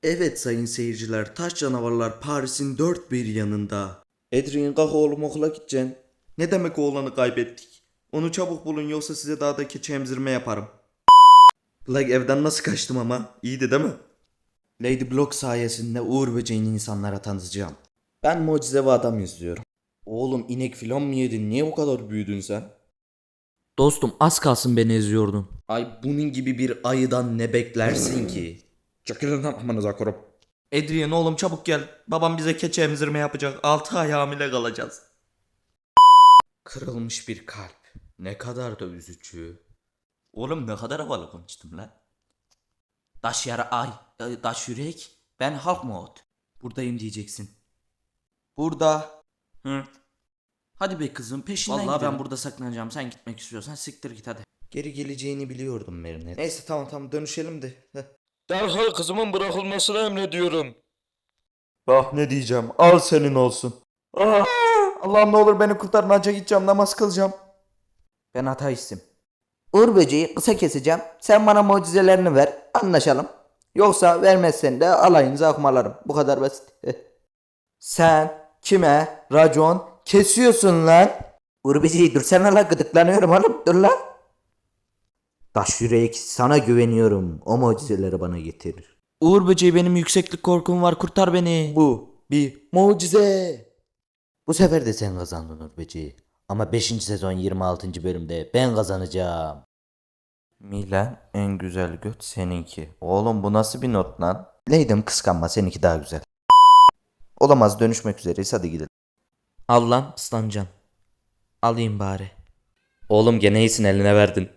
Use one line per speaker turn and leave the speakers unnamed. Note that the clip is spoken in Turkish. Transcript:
Evet sayın seyirciler, taş canavarlar Paris'in dört bir yanında. Adrien kalk oğlum, okula gideceksin. Ne demek oğlanı kaybettik? Onu çabuk bulun yoksa size daha da keçi emzirme yaparım. Like evden nasıl kaçtım ama? İyiydi değil mi? Lady Block sayesinde Uğur Böceğini insanlara tanıtacağım. Ben mucizevi adam izliyorum. Oğlum inek filan mı yedin? Niye bu kadar büyüdün sen?
Dostum az kalsın beni eziyordun.
Ay bunun gibi bir ayıdan ne beklersin ki? Çekilin lan amanıza korup. Adrian oğlum çabuk gel. Babam bize keçi emzirme yapacak. 6 ay hamile kalacağız. Kırılmış bir kalp. Ne kadar da üzücü. Oğlum ne kadar havalı konuştum lan. Daş yara ay, daş yürek. Ben halk mod. Buradayım diyeceksin. Burada. Hı. Hadi be kızım peşinden
Vallahi
gidelim.
ben burada saklanacağım. Sen gitmek istiyorsan siktir git hadi.
Geri geleceğini biliyordum Merinet. Neyse tamam dönüşelim de.
Derhal kızımın bırakılmasını emrediyorum.
Ah ne diyeceğim, al senin olsun. Ah, Allah'ım ne olur beni kurtarın, hacca gideceğim, namaz kılacağım.
Ben ateistim.
Uğur böceği kısa keseceğim. Sen bana mucizelerini ver. Anlaşalım. Yoksa vermezsen de alayınızı akmalarım. Bu kadar basit. Sen kime racon kesiyorsun lan? Uğur böceği dursana la, gıdıklanıyorum oğlum. Dur la. Taş yürek, sana güveniyorum. O mucizeleri bana getirir.
Uğur böceği, benim yükseklik korkum var, kurtar beni.
Bu bir mucize. Bu sefer de sen kazandın Uğur böceği. Ama 5. sezon 26. bölümde ben kazanacağım.
Milan en güzel göt seninki. Oğlum bu nasıl bir not lan?
Leydim kıskanma, seninki daha güzel. Olamaz, dönüşmek üzereyiz, hadi gidelim.
Al lan ıslanacaksın. Alayım bari.
Oğlum gene iyisin, eline verdin.